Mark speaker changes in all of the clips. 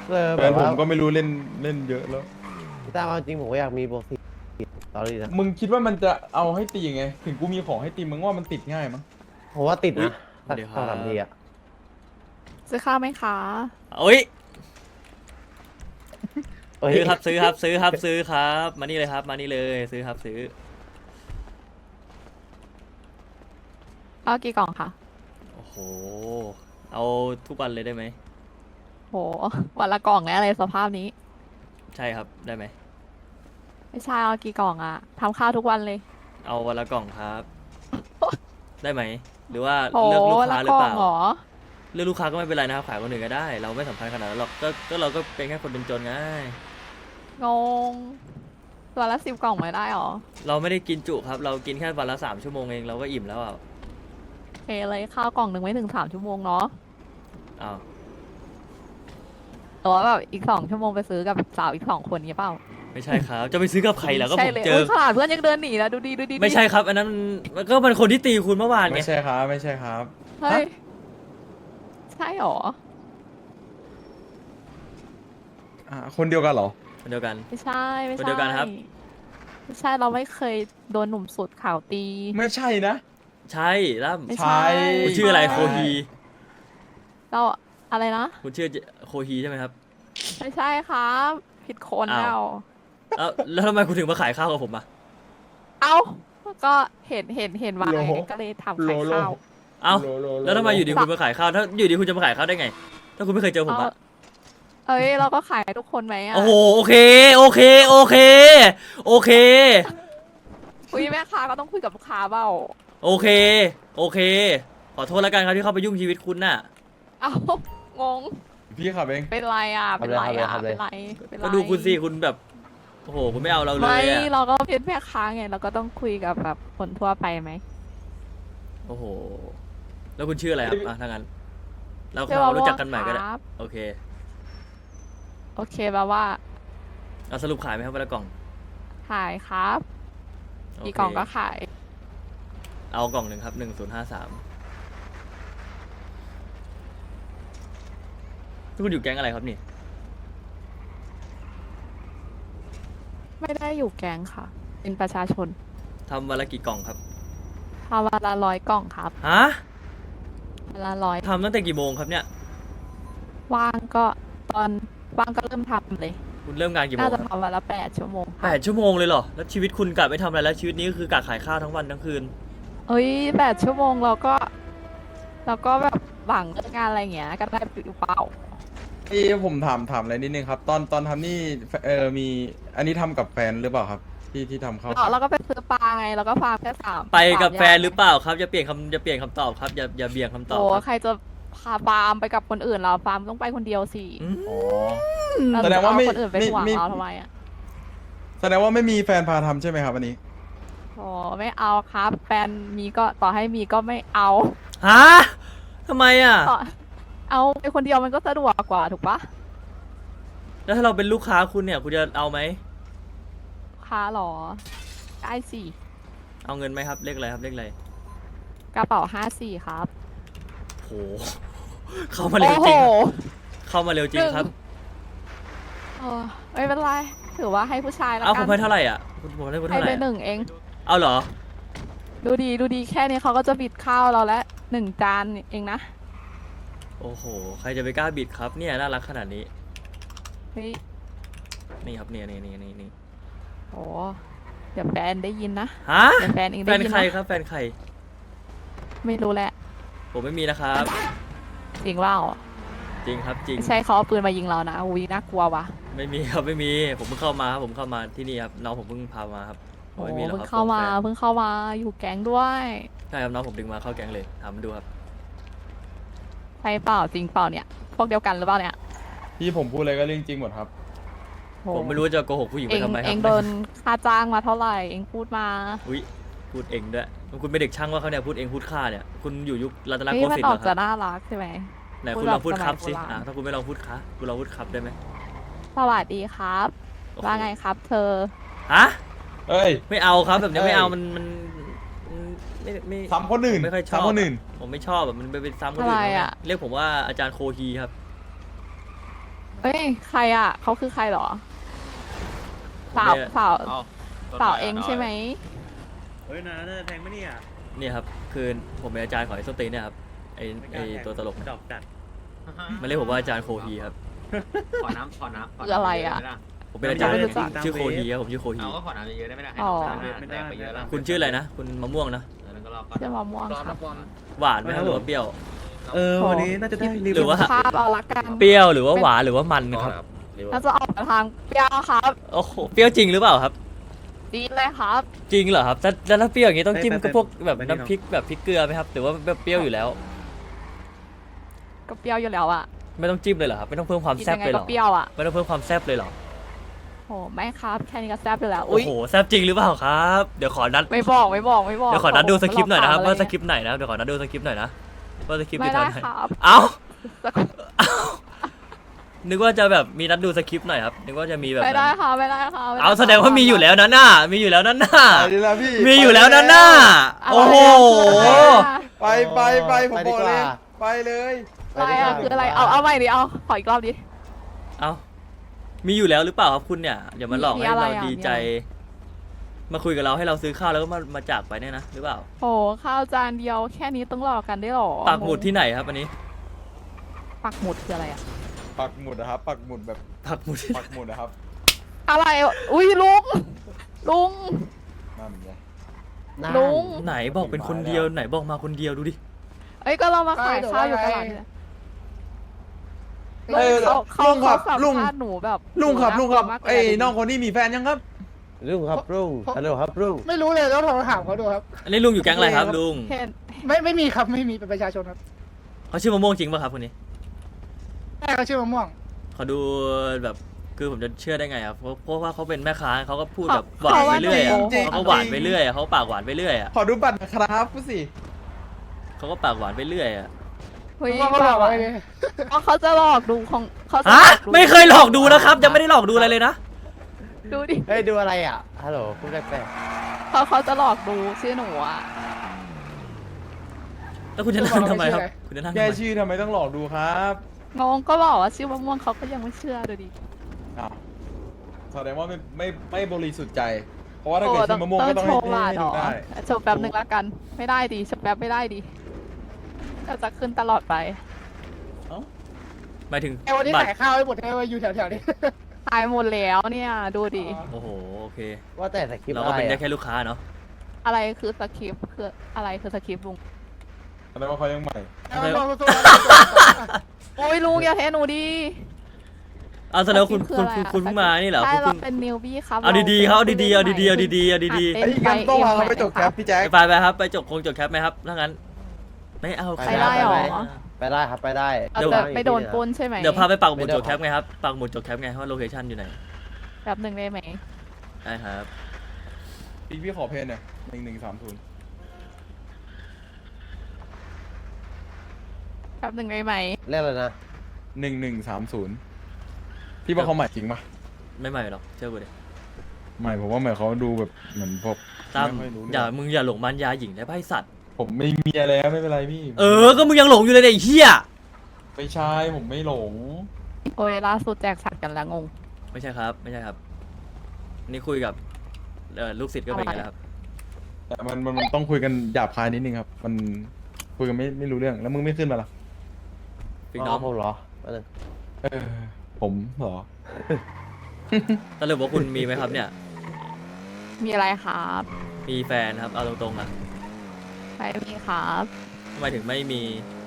Speaker 1: แฟ
Speaker 2: แบบ
Speaker 1: นผ
Speaker 2: ว่าม
Speaker 1: ก็ไม่รู้เล่นเล่นเยอะแล้ว
Speaker 2: ตามความจริงผมก็อยากมีบวกสี่ตอนนี้นะ
Speaker 1: มึงคิดว่ามันจะเอาให้ตียังไงถึงกูมีของให้ตีมึงว่ามันติดง่ายมั้ง
Speaker 2: ผมว่าติด
Speaker 3: อุ้ย
Speaker 2: นะ
Speaker 3: สวัสดีครั
Speaker 2: สองสามที
Speaker 3: บ
Speaker 2: อะ
Speaker 4: ซื้อข้าวไหมคะ
Speaker 3: อุ้ย
Speaker 2: เอ้ย
Speaker 3: ซื้อครับซื้อครับซื้อครับซื้อครับมานี่เลยครับมานี่เลยซื้อครับซื้อ
Speaker 4: เอากี่กล่องคะ
Speaker 3: โอ้โหเอาทุกวันเลยได้ไหม
Speaker 4: โห วันละกล่องแล้วอะไรสภาพนี้
Speaker 3: ใช่ครับได้ไหม
Speaker 4: ไม่ใช่เอากี่กล่องอะทำข้าวทุกวันเลย
Speaker 3: เอาวันละกล่องครับ ได้ไหมหรือว่า
Speaker 4: โห
Speaker 3: เลือกลูก
Speaker 4: วัน
Speaker 3: ค้า
Speaker 4: ละ
Speaker 3: หรื
Speaker 4: ก
Speaker 3: อ
Speaker 4: ล่
Speaker 3: เป
Speaker 4: อง
Speaker 3: ล่า
Speaker 4: เหรอ
Speaker 3: เลือกลูกค้าก็ไม่เป็นไรนะครับขายคนอื่นก็ได้ เราไม่สำคัญขนาดนั้นหรอกก็เราก็เป็นแค่คนจนๆไง
Speaker 4: งงวันละ10 กล่องไม่ได้หรอ
Speaker 3: เราไม่ได้กินจุครับ เรากินแค่วันละ3 ชั่วโมงเองเราก็อิ่มแล้วอ่ะ
Speaker 4: โอเคเลยข้าวกล่องหนึ่งไม่ถึง3 ชั่วโมงเนาะ
Speaker 3: อ้าว
Speaker 4: แต่ว่าแบบอีก2 ชั่วโมงไปซื้อกับสาวอีก2 คนนี้เปล่า
Speaker 3: ไม่ใช่ครับจะไปซื้อกับใครล่ะก็
Speaker 4: ใช่
Speaker 3: ผม
Speaker 4: เลย
Speaker 3: เจ
Speaker 4: โอ้
Speaker 3: อย
Speaker 4: ขนาดเพื่อนยังเดินหนีแล้วดูดีดูดี
Speaker 3: ไม่ใช่ครับ อันนั้นมันก็เป็นคนที่ตีคุณเมื่อวานไง
Speaker 1: ไม่ใช่ครับไม่ใช่ครับ
Speaker 4: เฮ้ยใช่หรอ
Speaker 1: คนเดียวกันเหรอ
Speaker 3: คนเดียวกัน
Speaker 4: ไม่ใช่ไม่
Speaker 3: คน
Speaker 4: ใช่
Speaker 3: เดียวกันครับ
Speaker 4: ไม่ใช่เราไม่เคยโดนหนุ่มสุดข่าวตี
Speaker 1: ไม่ใช่นะ
Speaker 3: ใช่ล่
Speaker 4: ไม่
Speaker 1: ใช่
Speaker 3: คุณชื่ออะไรโคฮี
Speaker 4: เราอะไรนะ
Speaker 3: คุณชื่อโคฮีใช่ไหมครับ
Speaker 4: ไม่ใช่ครับ ผิดคน
Speaker 3: อ้าว
Speaker 4: แล้ว
Speaker 3: แล้วทำไมคุณถึงมาขายข้าวกับผมอ่ะ
Speaker 4: เอ้าก็เห็นมาไงก็เลยทำขายข้าว
Speaker 3: เอ้า
Speaker 1: โลโลโล
Speaker 3: แล้วทำไมอยู่ดีคุณมาขายข้าวถ้าอยู่ดีคุณจะมาขายข้าวได้ไง ถ้าคุณไม่เคยเจอผมอะ
Speaker 4: เอ้ยเราก็ขายให้ทุกคนไหมอ่ะ
Speaker 3: โอ้โหโอเคโอเคโอเคโอเค
Speaker 4: คุยแม่ค้าก็ต้องคุยกับลูกค้าเปล่า
Speaker 3: โอเคโอเค ขอโทษแล้วกันครับที่เข้าไปยุ่งชีวิตคุณน่ะ
Speaker 4: เอ้างง
Speaker 1: พี่ขับเอง
Speaker 4: เป็นไรอ่ะเป็นไรอ่ะเป็นไรเป็นไร
Speaker 3: ก็ดูคุณสิคุณแบบโอ้โหคุณไม่เอาเราเล
Speaker 4: ไม่
Speaker 3: ยอะ
Speaker 4: เราก็เป็นแม่ค้าไงเราก็ต้องคุยกับแบบคนทั่วไปไหม
Speaker 3: โอ้โหแล้วคุณชื่ออะไรครับอ่ะถ้างั้นเรา
Speaker 4: เรียกว่า
Speaker 3: รู้จักกันใหม่ก็ได้
Speaker 4: ครับ
Speaker 3: โอเค
Speaker 4: โอเคแปลว่า
Speaker 3: เอาสรุปขายไหมครับวันละกล่อง
Speaker 4: ขายครับ
Speaker 3: โเค
Speaker 4: กี่กล่องก็ขาย
Speaker 3: เอากล่องหนึ่งครับ1053คุณอยู่แก๊งอะไรครับนี่
Speaker 4: ไม่ได้อยู่แก๊งค่ะ เป็นประชาชน
Speaker 3: ทำวันละกี่กล่องครับ
Speaker 4: ทำวันละ100 กล่องครับ
Speaker 3: ฮะ
Speaker 4: วันละร้อย
Speaker 3: ทำตั้งแต่กี่โมงครับเนี่ย
Speaker 4: ว่างก็ตอนว่างก็เริ่มทำเลย
Speaker 3: คุณเริ่มงานกี่โม
Speaker 4: น่าง จะ
Speaker 3: ครับ
Speaker 4: ทำวันละ8 ชั่วโมงค่ะ
Speaker 3: 8 ชั่วโมงเลยเหรอแล้วชีวิตคุณกะไม่ทำอะไรแล้วชีวิตนี้ก็คือกะขายข้าวทั้งวันทั้งคืน
Speaker 4: เอ้ย8 ชั่วโมงเราก็แบบหวังเรื่องงานอะไรอย่างเงี้ยก็ได้หรือเปล่า
Speaker 1: ผมถามอะไรนิดนึงครับ ตอนทำนี่มีอันนี้ทำกับแฟนหรือเปล่าครับ ที่ทำเข้า
Speaker 4: เราก็ไปซื้อปลาไงเราก็ฟาร์มแค่3
Speaker 3: ไปกับแฟนหรือเปล่าครับอย่าเปลี่ยนคำตอบครับอย่าเบี่ยงคำตอบ
Speaker 4: โอ้
Speaker 3: ครับ
Speaker 4: ใครจะพาฟาร์มไปกับคนอื่นเราฟาร์มต้องไปคนเดียวสิ
Speaker 3: อืม
Speaker 1: อ๋อ
Speaker 4: เรา
Speaker 1: แสดงว่าไม่
Speaker 4: เอคนอื่นไปห่วง
Speaker 1: ไม่
Speaker 4: เราทำไมอ่ะ
Speaker 1: แสดงว่าไม่มีแฟนพาทำใช่ไหมครับอันนี้
Speaker 4: โอ้ไม่เอาครับแฟนมีก็ต่อให้มีก็ไม่เอา
Speaker 3: ฮะทำไมอ่ะ
Speaker 4: ต่อเอาไปคนเดียวมันก็สะดวกกว่าถูกปะ
Speaker 3: แล้วถ้าเราเป็นลูกค้าคุณเนี่ยคุณจะเอาไหม
Speaker 4: ค้าหรอได้สิ
Speaker 3: เอาเงินไหมครับเลขอะไรครับเลขอะไร
Speaker 4: กระเป๋า54ครับ
Speaker 3: โหเข้ามาเร็วจริงครับเข้ามาเร็วจริงครับ
Speaker 4: เออไม่เป็นไรถือว่าให้ผู้ชายแล้ว
Speaker 3: เอาผ
Speaker 4: กั
Speaker 3: มให้เท่าไหร่อ่ะผมให้คุณ
Speaker 4: ให้
Speaker 3: เท่าไห
Speaker 4: ไป
Speaker 3: ร่อะ
Speaker 4: 1 เอง
Speaker 3: เอาเหรอ
Speaker 4: ดูดีแค่นี้เขาก็จะบิดข้าวเราแล้ว1 จานเองนะ
Speaker 3: โอ้โหใครจะไปกล้าบิดครับเนี่ยน่ารักขนาดนี้
Speaker 4: เฮ้ย
Speaker 3: นี่ครับนี่
Speaker 4: โอ้เดี๋ยวแฟนได้ยินนะ
Speaker 3: ฮะ
Speaker 4: เดี๋ยวแฟนเอง
Speaker 3: แฟ
Speaker 4: ได้
Speaker 3: น
Speaker 4: ยิน
Speaker 3: ใคร
Speaker 4: นะครับ
Speaker 3: แฟนใคร
Speaker 4: ไม่รู้แหละ
Speaker 3: ผมไม่มีนะครับ
Speaker 4: จริงว่า
Speaker 3: จริงครับจริง
Speaker 4: ไม่ใช่เขาเอาปืนมายิงเรานะอุ้ยน่ากลัวว่ะ
Speaker 3: ไม่มีครับไม่มีผมเพิ่งเข้ามาครับผมเข้ามาที่นี่ครับน้องผมเพิ่งพามาครับ
Speaker 4: โอ้
Speaker 3: ไม่มีหรอก
Speaker 4: เพิ่ง
Speaker 3: ครับ
Speaker 4: เข้ามา
Speaker 3: แฟน
Speaker 4: เพิ่งเข้ามาอยู่แก๊งด้วย
Speaker 3: ใช่ครับน้องผมดึงมาเข้าแก๊งเลยถามมาดูครับ
Speaker 4: ใช่เปล่าจริงเปล่าเนี่ย พวกเดียวกันหรือเปล่าเนี่ย
Speaker 1: ที่ผมพูดอะไรก็เรื่องจริงหมดครับ
Speaker 4: โห
Speaker 3: ผมไม่รู้จะโกหกผู้หญิง
Speaker 4: เอ
Speaker 3: ไป
Speaker 4: ง
Speaker 3: ทำไมค
Speaker 4: เอ
Speaker 3: รับ
Speaker 4: งโดนค่าจ้างมาเท่าไหร่เองพูดมา
Speaker 3: อุ้ยพูดเองด้วยคุณเป็นเด็กช่างว่าเขาเนี่ยพูดเองพูดค่าเนี่ยคุณอยู่ยุครัตน
Speaker 4: เฮ้
Speaker 3: โก
Speaker 4: ยมัน
Speaker 3: สินท
Speaker 4: อ
Speaker 3: ร์
Speaker 4: อ
Speaker 3: เหร
Speaker 4: ก
Speaker 3: อค
Speaker 4: จะ
Speaker 3: รับ
Speaker 4: น่ารักใช่ไหม
Speaker 3: ไหน
Speaker 4: พู
Speaker 3: คุ
Speaker 4: ด
Speaker 3: ณ
Speaker 4: แบบ
Speaker 3: ลองพูดครับ
Speaker 4: สมัย
Speaker 3: สิ
Speaker 4: โบราณ
Speaker 3: ถ้าคุณไม่ลองพูดคะคุณลองพูดครับได้ไหม
Speaker 4: สวัสดีครับ
Speaker 3: โอ้โห
Speaker 4: ว่าไงครับ เธอ
Speaker 3: ฮะ
Speaker 1: เอ้ย
Speaker 3: ไม่เอาครับแบบนี้
Speaker 1: เอ้ย
Speaker 3: ไม่เอามันไม่
Speaker 1: ซ้ำคนอื่น
Speaker 3: ไม่ค่อยชอบ
Speaker 1: ซ้ำคนอื่น
Speaker 3: ผมไม่ชอบแบบมันไปซ้ำคนอื่น
Speaker 4: อะไร
Speaker 3: เขาไง
Speaker 4: อะ
Speaker 3: เรียกผมว่าอาจารย์โคฮีครับ
Speaker 4: เฮ้ยใครอ่ะเขาคือใครเหรอ
Speaker 3: ผม
Speaker 4: สาว
Speaker 3: เนี่ย
Speaker 4: สาว
Speaker 5: เอา
Speaker 4: สาวเองใช่ไหม
Speaker 5: เฮ้ยนะแทงไม่เนี่ย
Speaker 3: เนี่ยครับคือผมเป็นอาจารย์ของไอ้ส้นตีนเนี่ยครับไอ้ตัวตลก
Speaker 5: ดอกจัด
Speaker 3: มันเรียกผมว่าอาจารย์โคฮีครับ
Speaker 5: ขอน้ำ
Speaker 4: คืออะไรอะ
Speaker 3: ผมเป็นอาจารย์
Speaker 4: ไม่รู้จัก
Speaker 3: ชื่อโคฮีครับผมชื่อโคฮี
Speaker 5: เอาก็ขอน้ำเยอะๆได้ไหมล่ะให้
Speaker 4: อ๋อ
Speaker 5: น้ำแตกไปเยอะแล้ว
Speaker 3: คุณชื่ออะไรนะคุณมะม่วงนะ
Speaker 5: แล้วก็รอ
Speaker 4: เจะมะม่วงครับ
Speaker 3: หวานไหมครับหรือว่าเปรี้ยว
Speaker 5: วันนี้น่าจะได้
Speaker 3: หรือว่า
Speaker 4: ภาพเอาละกัน
Speaker 3: เปรี้ยวหรือว่าหวานหรือว่ามันครับ
Speaker 4: น่าจะออกมาทางเปรี้ยวครับ
Speaker 3: โอ้โหเปรี้ยวจริงหรือเปล่าครับ
Speaker 4: ดีเลยครับ
Speaker 3: จริงเหรอครับแล้วถ้าเปรี้ยวอย่างนี้ต้องจิ้มกับพวกแบบน้ำพริกแบบพริกเกลือไหมครับหรือว่าแบบเปรี้ยวอยู่แล้ว
Speaker 4: ก็เปรี้ยวอยู่แล้วอ่ะ
Speaker 3: ไม่ต้องจิ้มเลยเหรอครับไม่ต้องเพิ่มความ
Speaker 4: กิน
Speaker 3: แซ่บ
Speaker 4: ยังไง
Speaker 3: เลยเหร
Speaker 4: ก็
Speaker 3: อ
Speaker 4: เปรี้ยวอ่ะ
Speaker 3: ไม่ต้องเพิ่มความแซ่บเลยเหรอ
Speaker 4: โหไม่ครับแค่นี้ก็แซ่บอยู่แล้ว
Speaker 3: โอ้โหแซ่บจริงหรือเปล่าครับเดี๋ยวขอนัด
Speaker 4: ไม่บอก
Speaker 3: เดี๋ยวขอนัดดูสคริปต์หน่อยนะครับว่าสคริปต์ไหนนะเดี๋ยวขอนัดดูสคริปต์หน่อยนะว่าสคริปต์
Speaker 4: ไม่
Speaker 3: ที่
Speaker 4: ได้
Speaker 3: ทำไหน
Speaker 4: ครับ
Speaker 3: เอ้า
Speaker 4: สัก
Speaker 3: นึกว่าจะแบบมีนัดดูสคริปต์หน่อยครับนึกว่าจะมีแบบ
Speaker 4: ไม่ได้
Speaker 3: นั้น
Speaker 4: ครับไม่ได้ครับไม่ไ
Speaker 3: เอาแสดงว่ามีอยู่แล้วนั่นน่ะมีอยู่แล้วนั่นน่ะ
Speaker 1: ไปดีละพี่
Speaker 3: มีอยู่แล้วนั่นน่ะ
Speaker 4: อะไร
Speaker 3: โอ้โห
Speaker 4: อะไรอะ
Speaker 1: ผมบอกเลย ไปเลย
Speaker 4: อะไรอะคืออะไรเอาใหม่ดิเอาขออีกรอบดิ
Speaker 3: เอามีอยู่แล้วหรือเปล่าครับคุณเนี่ยอย่ามาหลอก
Speaker 4: มี
Speaker 3: ให้
Speaker 4: อะไร
Speaker 3: เรา
Speaker 4: อ่ะ
Speaker 3: ดีใจ มาคุยกับเราให้เราซื้อข้าวแล้วก็มาจากไปเนี่ยนะหรือเปล่า
Speaker 4: โหข้าวจานเดียวแค่นี้ต้องหลอกกันได้หรอ
Speaker 3: ปักหมุดที่ไหนครับอันนี้
Speaker 4: ปักหมุดคืออะไรอะ
Speaker 1: ปักหมุดนะครับ ปักหมุดแบบ
Speaker 3: ปักหมุดที่
Speaker 1: ปักหมุดนะครับ
Speaker 4: อะไรอุ้ยลุง
Speaker 1: นั่นไง
Speaker 4: ลุง
Speaker 3: ไหนบอกเป็นคนเดียวไหนบอกมาคนเดียวดูดิ
Speaker 4: เอ้ยก็เรามาขายข้าวอยู่ตลาดเนี่ย
Speaker 1: เออ
Speaker 4: เขา
Speaker 1: ลุงครับ
Speaker 4: สัม
Speaker 1: ลุง
Speaker 4: ภาษณ์หนูแบบ
Speaker 1: ลุงครับ
Speaker 4: ห
Speaker 1: ลุงครับ
Speaker 4: ากลัวมากเลย
Speaker 1: ไอ้น้องคนนี้มีแฟนยังครับ
Speaker 2: รุ่งครับรุ่งฮัลโหลครับรุ่ง
Speaker 6: ไม่รู้เลยแล้วโทรถามเขาดูครับ
Speaker 3: อันนี้ลุงอยู่แก๊งอะไรครับลุง
Speaker 4: เห็น
Speaker 6: ไม่มีครับไม่มีเป็นประชาชนครับ
Speaker 3: เขาชื่อมะม่วงจริงป่ะครับคนนี้
Speaker 6: แม่เขาชื่อมะม่วง
Speaker 3: เขาดูแบบคือผมจะเชื่อได้ไงครับเพราะว่าเขาเป็นแม่ค้าเขาก็พูดแบบหวานไปเรื่อยอะ
Speaker 1: จริงๆ
Speaker 3: เขาก็หวานไปเรื่อยอะเขาปากหวานไปเรื่อยอะ
Speaker 1: ขอดูบัตรนะครับผู้สิ
Speaker 3: เขาก็ปากหวานไปเรื่อยอะ
Speaker 4: เฮ้ย
Speaker 6: เขาบอกอะไรเนี่ย
Speaker 4: ว่าเขาจะหลอกดูของเขาจะ
Speaker 3: ฮะ
Speaker 4: หลอกดู
Speaker 3: ไม่เคยหลอกดูนะครับยังไม่ได้หลอกดูอะไรเลยนะ
Speaker 4: ดูดิ
Speaker 2: เฮ้ยดูอะไรอ่ะฮัลโหลคุณแปลก
Speaker 4: เขาจะหลอกดูชื่อหนูอ่ะ
Speaker 3: แล้วคุณจะนั่งทำไมครับคุณจะนั่งทำ
Speaker 1: แค่
Speaker 3: ไม
Speaker 1: ชื่อทำไมต้องหลอกดูครับ
Speaker 4: งงก็บอกว่าชื่อมะม่วงเขาก็ยังไม่เชื่อดูดิ
Speaker 1: อ้าวแสดงว่าไม่บริสุทธิ์ใจ เพราะว่าถ้าเกิดชื่อมะม่วงก็ต้อง
Speaker 4: โช
Speaker 1: ให้
Speaker 4: ว์หวาน
Speaker 1: ให้
Speaker 4: เหร
Speaker 1: ดู
Speaker 4: อ
Speaker 1: ได้
Speaker 4: โชว์แป๊บหนึ่งละกัน ไม่ได้ดิโชว์แป๊บไม่ได้ดิจะขึ้นตลอดไป
Speaker 3: หมายถึง
Speaker 6: ไอ้วันนี้
Speaker 3: บัตร
Speaker 6: ขายข้าวให้หมดไอ้วันอยู่แถวๆนี้
Speaker 4: ตายหมดแล้วเนี่ยดูดิ
Speaker 3: โอ้โหโอเค
Speaker 2: ๆว่าแต่สคริปต์
Speaker 3: เรา
Speaker 2: อะ
Speaker 3: ก็
Speaker 2: ไร
Speaker 3: เป็นได้
Speaker 2: อะ
Speaker 3: แค่ลูกค้าเนาะ
Speaker 4: อะไรคือสคริปต์คืออะไรคือสคริปต์ลุง
Speaker 1: แสดงว่าเขายังใหม่
Speaker 4: โอ้ยลุงอย่าเทหนูดิ
Speaker 3: เอาแสดงว่าคุณ
Speaker 4: สคริปต์
Speaker 3: คุณเพิ่งมานี่เหรอ
Speaker 4: ใช่
Speaker 3: คุณ
Speaker 4: เรา
Speaker 3: เพิ่ง
Speaker 4: เป็นนิวบี้ครับ
Speaker 3: เอาดีๆเขาเอาดีๆเอาดีๆเอาดีๆเอาดี
Speaker 1: ไอ้ที่กันต้องพาเขาไปจบแคปพี่แจ็ค
Speaker 3: ๆไปครับไปจบจบแคปไหมครับถ้างั้นไม่เอา
Speaker 4: ไปได้หรอ
Speaker 2: ไปได้ครับไปได้
Speaker 4: เราจะไปโดนปล้นใช่ไหม
Speaker 3: เดี๋ยวพาไปปักหมุดจบแคปไงครับปักหมุดจบแคปไงว่าโลเคชั่นอยู่ไหน
Speaker 4: แบบหนึ่งได้ไหม
Speaker 3: ได้ครับ
Speaker 1: พี่ขอเพนเนี่ย1130
Speaker 4: แบบหนึ่งได้ไหม
Speaker 2: เรียกอะไรนะ
Speaker 1: 1130พี่ว่าเขาใหม่จริงปะ
Speaker 3: ไม่ใหม่หรอกเชื่อกูดิ
Speaker 1: ใหม่ผมว่าใหม่เขาดูแบบเหมือนพวก
Speaker 3: ตั้ม
Speaker 1: ไม่ค่อยรู้เรื่
Speaker 3: อย่า
Speaker 1: อง
Speaker 3: มึงอย่าหลงมันยาหญิงได้ป่ะไอ้สัตว์
Speaker 1: ผมไม่มีอะไรแล้วไม่เป็นไรพี่
Speaker 3: ก็มึงยังหลงอยู่เลยเนี่ยไอ้เหี้ย
Speaker 1: ไม่ใช่ผมไม่หลง
Speaker 4: โอ้ยล่าสุดแจกสัตว์กันแล้วงง
Speaker 3: ไม่ใช่ครับไม่ใช่ครับนี่คุยกับลูกศิษย์ก็เป็นอย่างนี้แหละครับ
Speaker 1: แต่มันต้องคุยกันหยาบคายนิดนึงครับ มันคุยกันไม่รู้เรื่องแล้วมึงไม่ขึ้นมาล่ะ
Speaker 3: พี่น้อง
Speaker 2: ผมเหรอมาเลย
Speaker 1: เออผมเหรอ
Speaker 3: สรุปว่าคุณมีไหมครับเนี่ย
Speaker 4: มีอะไรครับ
Speaker 3: มีแฟนครับเอาตรงๆนะ
Speaker 4: ไม่มีครับ
Speaker 3: ทำไมถึงไม่มี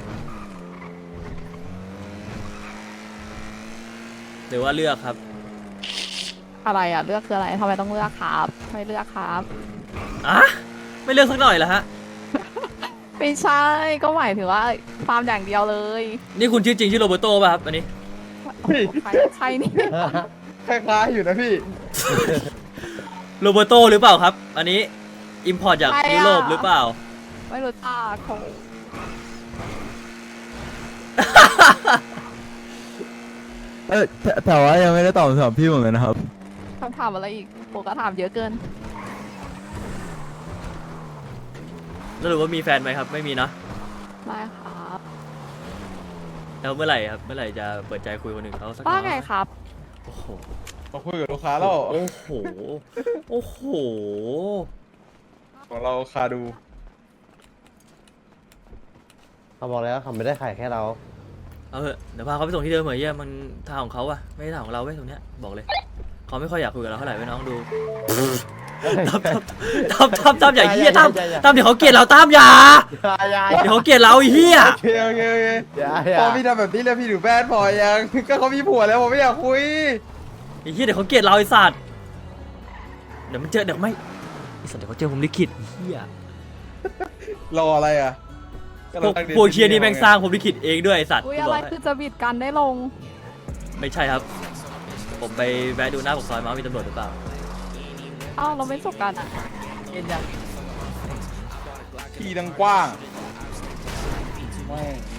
Speaker 3: หรือว่าเลือกครับ
Speaker 4: อะไรอ่ะเลือกคืออะไรทำไมต้องเลือกครับไม่เลือกครับ
Speaker 3: อะไม่เลือกสักหน่อยเหรอฮะ
Speaker 4: ไม่ใช่ก็หมายถึงว่าฟาร์มอย่างเดียวเลย
Speaker 3: นี่คุณชื่อจริงชื่อโรเบร์โตป่ะครับอันนี้
Speaker 4: ใครนี่
Speaker 1: คล้ายๆอยู่นะพี่
Speaker 3: โรเบร์โตหรือเปล่าครับ อันนี้อิมพอร์ตจากยุโรปหรือเปล่า
Speaker 4: ไม่รู้จักเขา
Speaker 1: แต่ว่ายังไม่ได้ตอบคำถามพี่เหมือนกันนะครับ
Speaker 4: คำถามอะไรอีกโปก็ถามเยอะเกิน
Speaker 3: สรุปว่ามีแฟนไหมครับ ไม่มีนะ
Speaker 4: ไม่ครับ
Speaker 3: แล้วเมื่อไหร่ครับเมื่อไหร่จะเปิดใจคุยคนหนึ่งเขาสัก
Speaker 4: ว่า
Speaker 3: น้อย
Speaker 4: ไงครับ
Speaker 3: โอ้โห
Speaker 1: มาคุยกับลูกค้าแล้ว
Speaker 3: โอ้โหโอ้โห
Speaker 1: ของเราคาดู
Speaker 2: เขาบอกแล้วเขาไม่ได้ขายแค่เรา
Speaker 3: เอาเถอะเดี๋ยวพาเขาไปส่งที่เดิมเหมือนเยี่ยมันทางของเขาอะไม่ใช่ทางของเราเว้ยตรงเนี้ยบอกเลยเขาไม่ค่อยอยากคุยกับเราเท่าไหร่เว้ยน้องดูตั้มอย่าเฮียตั้มเดี๋ยวเขาเกลียดเราตั้มอย่าเดี๋ยวเขาเกลียดเราไอ้เฮีย
Speaker 1: โอเคโอเคโอเคพอพี่ทำแบบนี้แล้วพี่ถือแบนพอยัง ก็เขามีผัวแล้วผมไม่อยากคุย
Speaker 3: ไอ้เฮียเดี๋ยวเขาเกลียดเราไอ้สัตว์เดี๋ยวมันเจอเดี๋ยวไม่ไอ้สัตว์เดี๋ยวเขาเจอผมลิขิตเฮีย
Speaker 1: รออะไรอ่ะ
Speaker 3: พวกเคียนี่แม่งสร้างผมลิขิตเองด้วยไอ้สัตว์
Speaker 4: อุ้ย
Speaker 3: กู
Speaker 4: อะ
Speaker 3: บ
Speaker 4: ไร
Speaker 3: กให้
Speaker 4: คือจะบิดกันได้ลง
Speaker 3: ไม่ใช่ครับ ผมไปแวะดูหน้าปากซอยมาว่ามีตำรวจหรือเปล่า
Speaker 4: อ้าวเราไม่จบกันอ่ะ
Speaker 1: ที่ดังกว้างแม่ง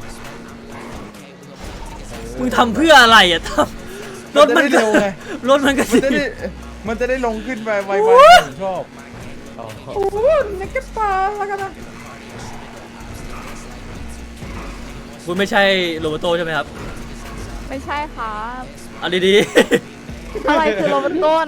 Speaker 3: มึงทำเพื่ออะไรอ่ะตั้มรถมัน
Speaker 1: จะได้เร็วไง
Speaker 3: รถมันก็
Speaker 1: มันจะได้ลงขึ้นไปไวๆผมชอบโอ้โหนักกระตาแล้วกันนะ
Speaker 3: คุณไม่ใช่โรเบโตใช่ไหมครับ
Speaker 4: ไม่ใช่ครับ
Speaker 3: เอาดี
Speaker 4: อะไรคือโรเบโต้นะ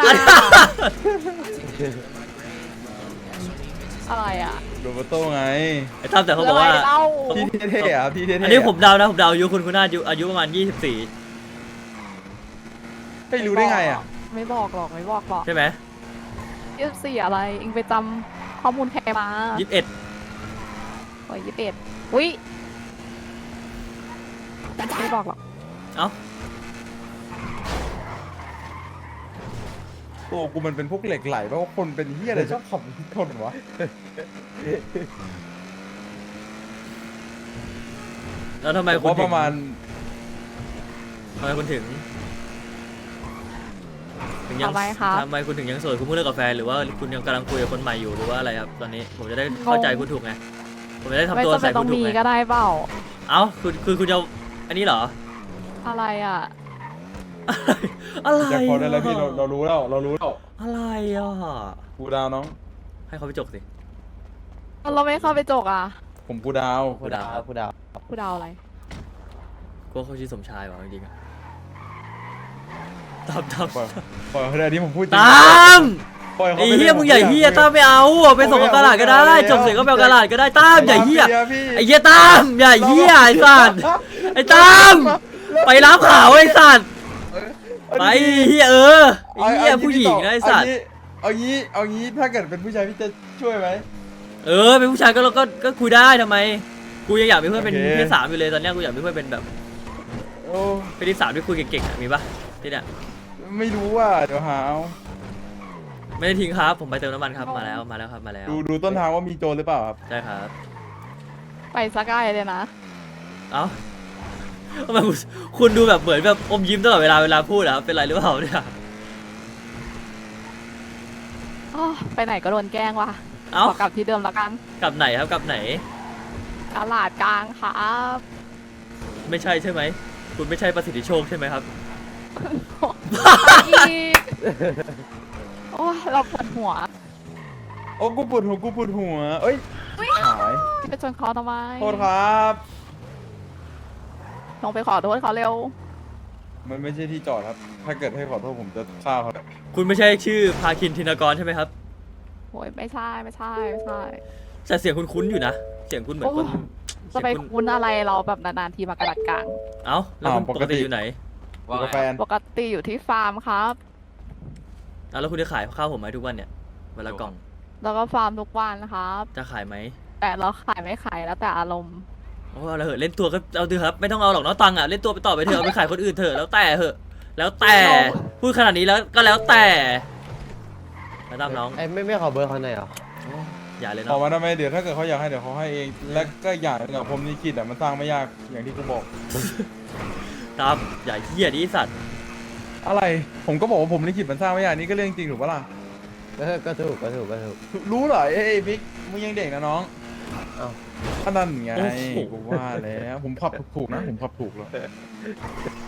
Speaker 4: อะไรอ่ะ
Speaker 1: โรเบโต้ไง
Speaker 3: ไอ้ตั้มแต่เขาบอกว่า
Speaker 4: ะไรเล่า
Speaker 1: ที่เท่ๆอ่ะที่เท่ๆ
Speaker 3: อันนี้ผมเดานะผมเดาอายุคุณน่าอายุประมาณ 24
Speaker 1: ไม่รู้ได้ไงอ่ะ
Speaker 4: ไม่บอกหรอกไม่บอกหรอก
Speaker 3: ใช่ไหม
Speaker 4: 24อะไรเองไปจำข้อมูลใครมา
Speaker 3: 21
Speaker 4: โอ้ย21อุ้ยไม่บอกหรอก
Speaker 3: เอ้า
Speaker 1: โอ้กูมันเป็นพวกเหล็กไหลเพราะว่าคนเป็นเฮียอะไรชอบขับคนวะ
Speaker 3: แล้วทำไม
Speaker 1: เพ
Speaker 3: คุณ
Speaker 1: ราะ
Speaker 3: ถึ
Speaker 1: ป
Speaker 3: ง
Speaker 1: ระมาณ
Speaker 3: ทำไมคุณถึงยั
Speaker 4: ทำไมครับ
Speaker 3: ทำไมคุณถึงยังโสดคุณเพิ่งเลิกกับแฟนหรือว่าคุณยังกำลังคุยกับคนใหม่อยู่หรือว่าอะไรครับตอนนี้ผมจะได้เข้าใจคุณถูกไงผมจะได้ทำ
Speaker 4: ไม่
Speaker 3: ตัว
Speaker 4: จำเป็
Speaker 3: ใส่
Speaker 4: นต้
Speaker 3: คุ
Speaker 4: อ
Speaker 3: ณ
Speaker 4: ง
Speaker 3: ถูก
Speaker 4: มี
Speaker 3: ไง
Speaker 4: ก็ได้เปล่า
Speaker 3: เอ้าคุณจะอันนี้เหรอ
Speaker 4: อะไรอ่ะ
Speaker 3: อะไร
Speaker 1: จากพอได้แล้วพี่เรารู้แล้วเรารู้แล้ว
Speaker 3: อะไรอ่ะ
Speaker 1: กูดาวน้อง
Speaker 3: ให้เขาไปจกสิ
Speaker 4: เราไม่เข้าไปจกอ่ะ
Speaker 1: ผมกูดาว
Speaker 2: ผู้ดาวผู้ดาว
Speaker 4: ผู้ดาวอะไร
Speaker 3: ก็เขาชื่อสมชายว่ะจริงๆอะตาม
Speaker 1: ปล่อยเขาได้ที่ผมพูดจริง
Speaker 3: ตาม
Speaker 1: ปล่อยเขา
Speaker 3: ไอ้
Speaker 1: ไป
Speaker 3: เฮียมึงใหญ่เฮียตามไม่เอาไปส่งกับตลาดก็ได้จบเสร็จก็ไปเอาตลาดก็ได้ตามใหญ่เฮียไอ้เฮียตามใหญ่เฮียไอ้สัตว์ไอ้ตามไปรับข่าวไอ้สัตว์ไปเฮียไอ้เฮียผู้หญิงนะไอ้สัตว์
Speaker 1: เอางี้ถ้าเกิดเป็นผู้ชายพี่จะช่วยไหม
Speaker 3: เป็นผู้ชายก็คุยได้ทำไมกูยังอยากมีเพื่อนเป็น
Speaker 1: โอเค
Speaker 3: เพศสามอยู่เลยตอนเนี้ยกูอยากมีเพื่อนเป็นแบบ
Speaker 1: โอ้
Speaker 3: เพศที่สามที่คุยเก่งๆอะมีปะที่เนี้ย
Speaker 1: ไม่รู้ว่าเดี๋ยวหาเอา
Speaker 3: ไม่ได้ทิ้งครับผมไปเติมน้ำมันครับมาแล้วครับมาแล้ว
Speaker 1: ดูต้นทางว่ามีโจรหรือเปล่าครับ
Speaker 3: ใช่ครับ
Speaker 4: ไปสักไกลเลยนะ
Speaker 3: เอ้าทำไมคุณดูแบบเหมือนแบบอมยิ้มตลอดเวลาพูดอะครับเป็นไรหรือเปล่าเนี่ย
Speaker 4: อ้อไปไหนก็โดนแกล้งว่ะ
Speaker 3: เอ้า
Speaker 4: ขอกลับที่เดิมแล้วกัน
Speaker 3: กลับไหนครับกลับไหน
Speaker 4: ตลาดกลางครับ
Speaker 3: ไม่ใช่ใช่ไหมคุณไม่ใช่ประสิทธิโชคใช่ไหมครับ
Speaker 4: อีกโอ้ยเราปวดหัว
Speaker 1: โอ้กูปวดหัวเอ้ยหาย
Speaker 4: ที่ไปชนเขาทำไม
Speaker 1: โทษครับ
Speaker 4: ลงไปขอโทษเขาเร็ว
Speaker 1: มันไม่ใช่ที่จอดครับ ถ้าเกิดให้ขอโทษผมจะฆ่าเขา
Speaker 3: คุณไม่ใช่ชื่อพาคินธินกรใช่ไหมครับ
Speaker 4: โอ้ยไม่ใช่
Speaker 3: แต่เสียงคุณคุ้นอยู่นะเสียงคุณเหมือนคน
Speaker 4: จะไปคุ้นอะไรเราแบบนานๆทีมากระดัดกลาง
Speaker 3: เอ้าแล้วคุณปกติอยู่ไหน
Speaker 1: อยู่กับแฟน
Speaker 4: ปกติอยู่ที่ฟาร์มครับ
Speaker 3: แล้วคุณจะขายข้าวผมไหมทุกวันเนี่ยเวลากล่อง
Speaker 4: แล้วก็ฟาร์มทุกวันครับ
Speaker 3: จะขายไหม
Speaker 4: แต่เราขายไม่ขายแล้วแต่อารมณ์
Speaker 3: โอ้เราเหอะเล่นตัวก็เอาเถอะครับไม่ต้องเอาหรอกเนาะตังค์อะเล่นตัวไปต่อไปเถอะเอาไปขายคนอื่นเถอะแล้วแต่เหอะแล้วแต่พูดขนาดนี้แล้วก็แล้วแต่แล้วตามน้อง
Speaker 2: ไอ้ไม่ขอเบอร์เขาหน่อยเหรอ
Speaker 3: อย่าเลย
Speaker 1: ขอ
Speaker 3: เนาะ
Speaker 1: มาทำไมเดี๋ยวถ้าเกิดเขาอยากให้เดี๋ยวเขาให้เอง และก็อย่างหนึงอะผมนี่คิดอะมันสร้างไม่ยากอย่างที่กูบอก
Speaker 3: ตามอย่าเหี้ยดิสัตว์
Speaker 1: อะไร ผมก็บอกว่าผมลิขิตมันสร้างไม่ยากนี่ก็เรื่องจริงถูกปะล่ะ
Speaker 2: ก็ถูก
Speaker 1: รู้เหรอเอ้ยบิ๊กมึงยังเด็กนะน้อง
Speaker 2: เอ้า
Speaker 1: อันนั้นไงกูว่าแล้วผมขับถูกนะผมขับถูกแล้ว